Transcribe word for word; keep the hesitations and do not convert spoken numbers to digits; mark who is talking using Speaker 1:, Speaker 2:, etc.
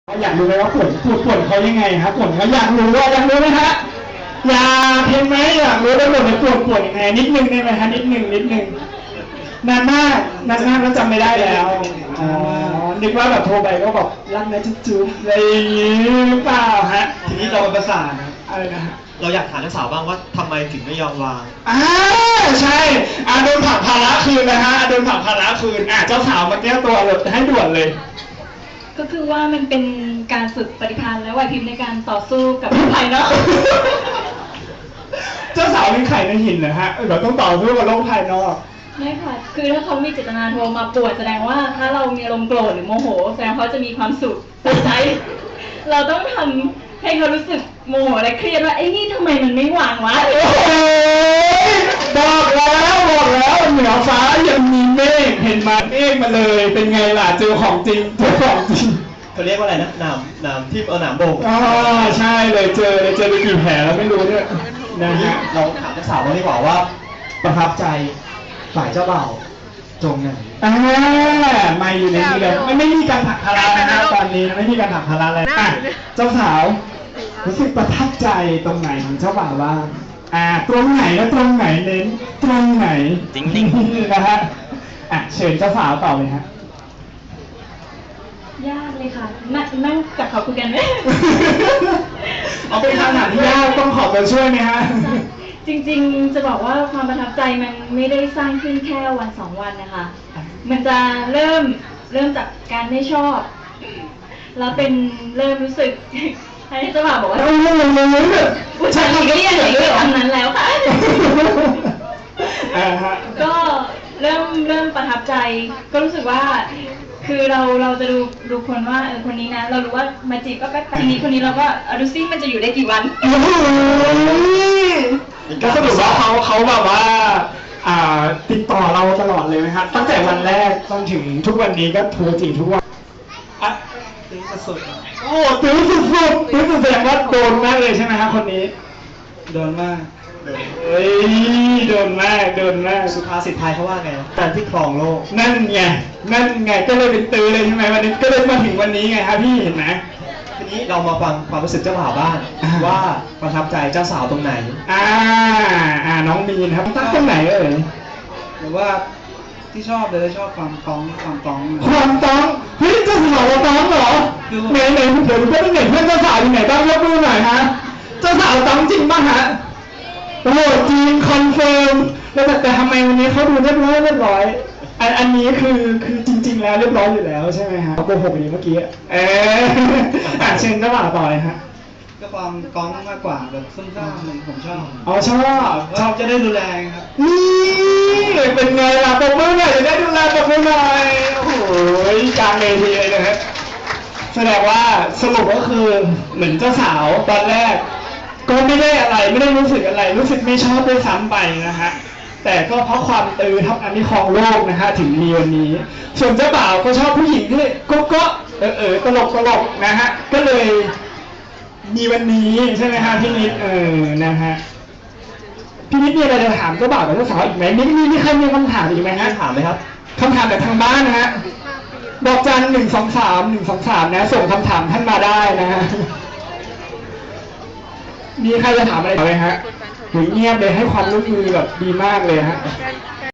Speaker 1: อยากรู้ไหมว่าผลผลผลเขายังไงครับผลเขาอยากรู้ว่าอยากรู้ไหมฮะอยากเห็นไหมอยากรู้ได้ผลในผลผลยังไงนิดนึงได้ไหมฮะนิดนึงนิดนึงนานมากนานมากแล้วจำไม่ได้แล้วอ๋อนึกว่าแบบโทรไปก็บอกรักนะจุ๊บๆอะไรอย่างงี้หรือเปล่าฮะ
Speaker 2: ทีนี้เราเป็นประสาน
Speaker 1: อะไรนะฮะ
Speaker 2: เราอยากถามเจ้าสาวบ้างว่าทำไมถึงไม่ยอมวาง
Speaker 1: อ่าใช่อาโดนผักภาระคืนนะฮะโดนผักภาระคืนอ่าเจ้าสาวมาแก้ตัวเลยให้ด่วนเลย
Speaker 3: ก็คือว่ามันเป็นการฝึกปฏิภาณและไหวพริบในการต่อสู้กับโลกภายนอก
Speaker 1: เจ้าสาวเป็นไข่ในหินนะฮะแบบต้องต่อสู้กับโลกภายนอก
Speaker 3: ไม่ค่ะคือถ้าเขามีเจตนาโทรมาป่วนแสดงว่าถ้าเรามีอารมณ์โกรธหรือโมโหแสดงเขาจะมีความสุขในใจเราต้องทำให้เขารู้สึกโมโหและเครียดว่าไอ้นี่ทำไมมันไม่วางวะ
Speaker 1: โอ้โหบอกแล้วบอกแล้วเหนือฟ้ายังมีเมฆเห็นมาเมฆมาเลยเป็นไงล่ะเจอของจริงเจอของจริง
Speaker 2: เขาเรียกว่าอะไรนะหนามหนามที่เอาหนามโบก
Speaker 1: อ๋อใช่เลยเจอเลยเจอไปกี่แผลแล้วไม่รู้เนี่ยนะฮะ
Speaker 2: เราถามเจ้าสาวว่าดีกว่าว่าประทับใจฝ่ายเจ้าบ่าวตรงไหน
Speaker 1: อ่าไม่อยู่ในนี้เลยไม่ไม่มีการถักภาระนะฮะตอนนี้ไม่มีการถักภาระเลยอ่ะเจ้าสาวรู้สึกประทับใจตรงไหนของเจ้าบ่าวบ้างอ่าตรงไหนและตรงไหนเน้นตรงไหน
Speaker 2: จริง
Speaker 1: ๆนะฮะอ่ะเชิญเจ้าสาวต่อเลยฮะ
Speaker 3: ยากเลยค่ะนั่งนั่งกับเขาคุยกันไหม
Speaker 1: เอาเป็นคำถามที่ยากต้องขอตัวช่วยไหมฮะ
Speaker 3: จริงๆจะบอกว่าความประทับใจมันไม่ได้สร้างขึ้นแค่วันสองวันนะคะมันจะเริ่มเริ่มจากการไม่ชอบแล้วเป็นเริ่มรู้สึกให้เจ้าบ่าวบอกว่าผู้ชายคนนี้อย่างนี้ทำนั้นแล้วค่ะก็เริ่มเริ่มประทับใจก็รู้สึกว่าคือเราเราจะดูดูคนว่าเออคนนี้นะเรารู้ว่ามาจีบก็แป๊บทีนี้คนนี้เราก็ดูซิมันจะอยู่ได้กี่วัน
Speaker 1: ก็สรุปว่าเขาเขาแบบว่าอ่าติดต่อเราตลอดเลยไหมครับตั้งแต่วันแรกจนถึงทุกวันนี้ก็โทรจีบทุกวันอ่ะตื้อสุดๆโอ้ตื้อสุดๆตื้อสุดแสดงว่าโดนมากเลยใช่ไหมครับคนนี้โดนมากเฮ้ยโดนมากโดนมาก
Speaker 2: สุภาษิตไทยเขาว่าไงการที่ครองโลก
Speaker 1: นั่นไงนั่นไงก็เลยเป็นตื้อเลยใช่ไหมวันนี้ก็เลยมาถึงวันนี้ไงครับพี่เห็นไหม
Speaker 2: ทีนี้เรามาฟังความรู้สึกเจ้าบ่าวบ้างว่าประทับใจเจ้าสาวตรงไหน
Speaker 1: อ่าอ่าน้องมีนครับตั้งตรงไหนเอ่ย
Speaker 4: หรือว่าที่ชอบเลยชอบความต้องความต้อง
Speaker 1: ความต้องเฮ้ยเจ้าสาวเราต้องเหรอไหนไหนเดี๋ยวเพื่อนเห็นเพื่อนเจ้าสาวอยู่ไหนบ้างยกมือหน่อยฮะเจ้าสาวต้องจริงป่ะฮะโอ้โหจริงคอนเฟิร์มแล้วแต่ทำไมวันนี้เขาดูเรียบร้อยเรียบร้อยอันอันนี้คือคือจริงๆแล้วเรียบร้อยอยู่แล้วใช่ไหมฮะโกหกอย่างเมื่อกี้เอออ่ะเชิญเจ้าบ่าวต่อเลยฮะ
Speaker 4: ก็ความก้องมากกว่าแบบซุ่มซ่ามเลยผมชอบ
Speaker 1: อ๋อชอบ
Speaker 4: ชอบจะได้ดูแลครับ
Speaker 1: นี่เป็นไงล่ะปรบมือหน่อยจะได้ดูแลปรบมือหน่อยโอ้โหกลางเวทีเลยนะฮะแสดงว่าสรุปก็คือเหมือนเจ้าสาวตอนแรกก็ไม่ได้อะไรไม่ได้รู้สึกอะไรรู้สึกไม่ชอบด้วยซ้ำไปนะฮะแต่ก็เพราะความตื้อทับอันนี้ครองโลกนะฮะถึงมีวันนี้ส่วนเจ้าบ่าวก็ชอบผู้หญิงที่ก็ก็เออเออตลกตลกนะฮะก็เลยมีวันนี้ใช่ไหมฮะพี่นิดเออนะฮะพี่นิดมีอะไรจะถามเจ้าบ่าวกับเจ้าสาวอีกไหมมีมีมีใครมีคำถามอีกไหมฮะ
Speaker 2: ถามไหมครับ
Speaker 1: คำถามจากทางบ้านนะฮะดอกจันหนึ่งสองสามหนึ่งสองสามนะส่งคำถามท่านมาได้นะฮะมีใครจะถามอะไรไหมฮะหรือเงียบเลยให้ความร่วมมือแบบดีมากเลยฮะ